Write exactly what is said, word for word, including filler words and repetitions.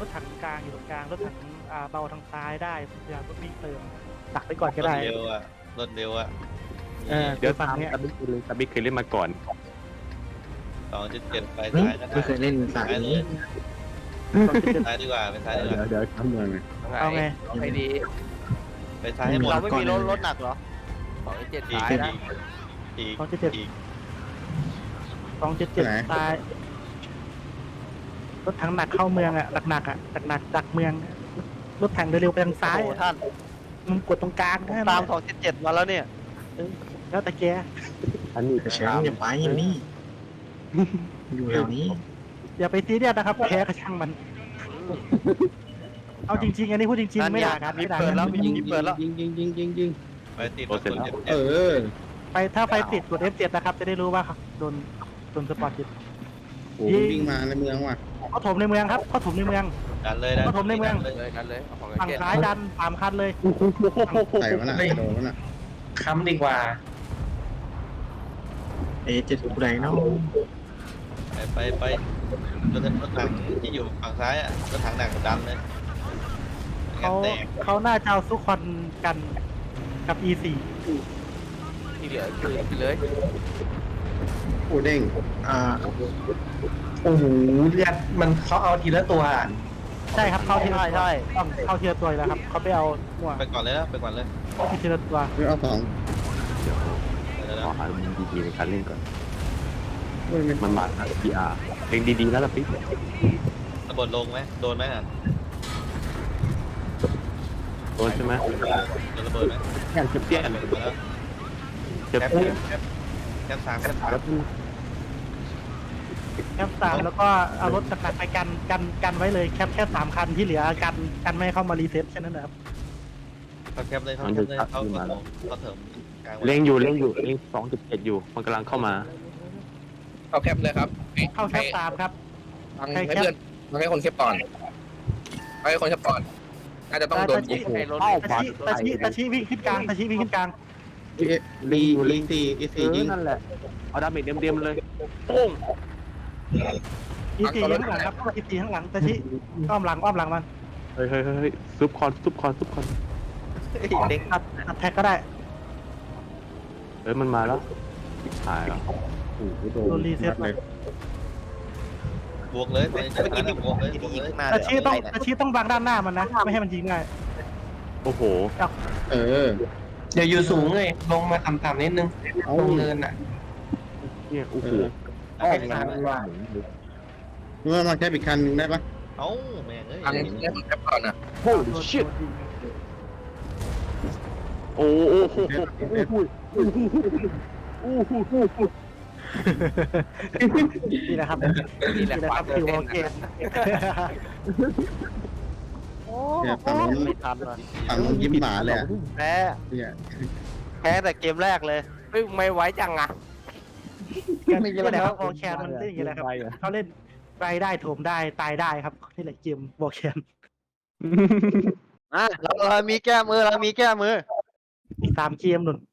ถถังกลางอยู่ตรงกลางรถถังอ่าเบาทางซ้ายได้พยายามรถวิ่งเติมดักไปก่อนก็รถได้เร็วอ่ะรถเร็วอ่ะเออเดี๋ยวฝั่งตามเนี้ยตาบิ๊กเลยตาบิ๊กเคยเล่นมาก่อนสองจุดเจ็ดไปเฮ้ยซ้ายก็ได้ไม่เคยเล่นสายซ้ายเลนี้ยซ้ายดีกว่าไปซ้ายดีกเดี๋ยวว่าเดี๋ยวเข้าเมืองเลยเอาไงเอาไงดีไปซ้ายให้หมดเราไม่มีรถรถหนักเหรอสองเจ็ดอีกสายอีนะกอีกสองจุดเจ็ดอีกสองจุดเจ็ดตายรถถังหนักเข้าเมืองอ่ะหนักๆอ่ะหนักๆดักเมืองรถถังเร็วๆไปทางซ้ายโอ้อะท่านมึงกดตรงกลางได้ตามสองเจ็ดเจ็ดมาแล้วเนี่ยแล้วแต่แกอันนี้แชมป์อย่าไปอยู่นี่ อยู่แถวนี้อย่าไปซีเรียสนะครับแพ้ก็ช่างมัน เอาจริงๆอันนี้พูดจริงนั่นๆไม่ไงด่ากันมีไม่ด่าเปิกัดแล้วนมียิงเปิดแล้วยิงยิงยิงยิงยิงไปติดรถคนเจ็บเออไปถ้าไฟติดกด เอฟ เจ็ด นะครับ จะได้รู้ว่าโดนโดนสปอร์ตติดโอ้วิ่งมาในเมืองว่ะเขาถมในเมืองครับเขาถมในเมืองดันเลยดันก็ผมในเมืองเลยเลยกันเลยเอาของฝั่งเจ็ดซ้ายดันสามคันเลยใส่วะน่ะโดนวะน่ะค้ำดีกว่าเอ๊ะจะถูกแรงเนาะไปไปไปรถรถถังที่อยู่ฝั่งซ้ายอ่ะรถถังหนักดันเลยเขาแตกเขาน่าจะเอาซุกคอนกันกับ อี โฟร์ที่เหลือคือไปเลยโอ้เด้งอ่าโอ้โหเลือดมันเขาเอาทีละตัวใช่ครับเข้าทีละใช่ตัวใช่ต้องเข้าทีละตัวแล้วครับเขาไปเอาหัวไปก่อนเลยนะไปก่อนเลยทีละตัวไม่เอาสองเดี๋ยวขอนะหามุมดีๆในการเล่นก่อนเฮ้ยไม่มันมาแล้วพีอาร์เล่นดีๆแล้วล่ะปิ๊กระเบิดลงไหมโดนไหมอ่ะโดนใช่ไหมโดนระเบิดไหมแค่เจ็บเตี้ยนระเบิดมาแล้วเจ็บแคปเตี้ยนแคปแคปสามแคปสามแล้วแคปสามแล้วก็เอารถหนักๆไปกันกันกันไว้เลยแคปแค่สามคันที่เหลือกันกันไม่ให้เข้ามารีเซ็ตแค่นั้นนะครับเขาแคปเลยเขาแคปเลยเขาเขาเขาเถิมกลางเล่งอยู่เล่งอยู่เล่งสองจุดเจ็ดอยู่มันกำลังเข้ามาเข้าแคปเลยครับเข้าแคปสามครับฟังใครให้แคปเพื่อนฟังให้คนแคปก่อนฟังให้คนแคปก่อนน่าจะต้องโดนยิงไอ้รถตาชิตาชิตาชิวิ่งขึ้นกลางตาชิวิ่งขึ้นกลางลีลีซีอีเอซีอยิงนั่นแหละเอาดาเมจเต็มๆเลยโป้งอีซีข้างหลังครับอีซีข้างหลังตาชิอ้อมหลังอ้อมหลังมันเฮ้ยเฮ้ยเฮ้ยซุปคอนซุปคอนซุปคอนเด็กตัดตัดแท็กก็ได้เฮ้ยมันมาแล้วหายแล้วโอ้โหโดโดนนรีเซ็ตเลยบวกเลยตอนนี้จะนั้นบวกเลยบวกเลยหน้าตาชิต้องตาชิต้องบังด้านหน้ามันนะไม่ให้มันยิงง่ายโอ้โหเออเดี๋ยวอยู่สูงเลยลงมาต่ำๆนิดนึงเอาลงเนินอ่ะเนี่ยโอ้โหอ้อมงานเมื่อมาแค่อีกคันหนึงได้ปะเอ้าแม่งเอ้ยฟังให้คนแคปก่อนนะโอ้ชิตโอ้โหโอ้โหโอ้โหโอ้โหนี่นะครับนี่แหละนี่นะคควารัมบตื่คืนอเต้โอน เคโอ้เนี่ยฝั่งนู้นไม่ทันว่ะฝั่งนู้นยิ้มหมาเลยอะแพ้เนี่ยแพ้แต่เกมแรกเลยเฮ้ยไม่ไหวจังอ่ะไม่ใช่นะครับโอแคนมันเล่นอย่างนี้แหละครับเขาเล่นไปได้โถมได้ตายได้ครับนี่แหละเกมโอแคนอ่ะเราเรามีแก้มือเรามีแก้มืออีกสามเกมหนุน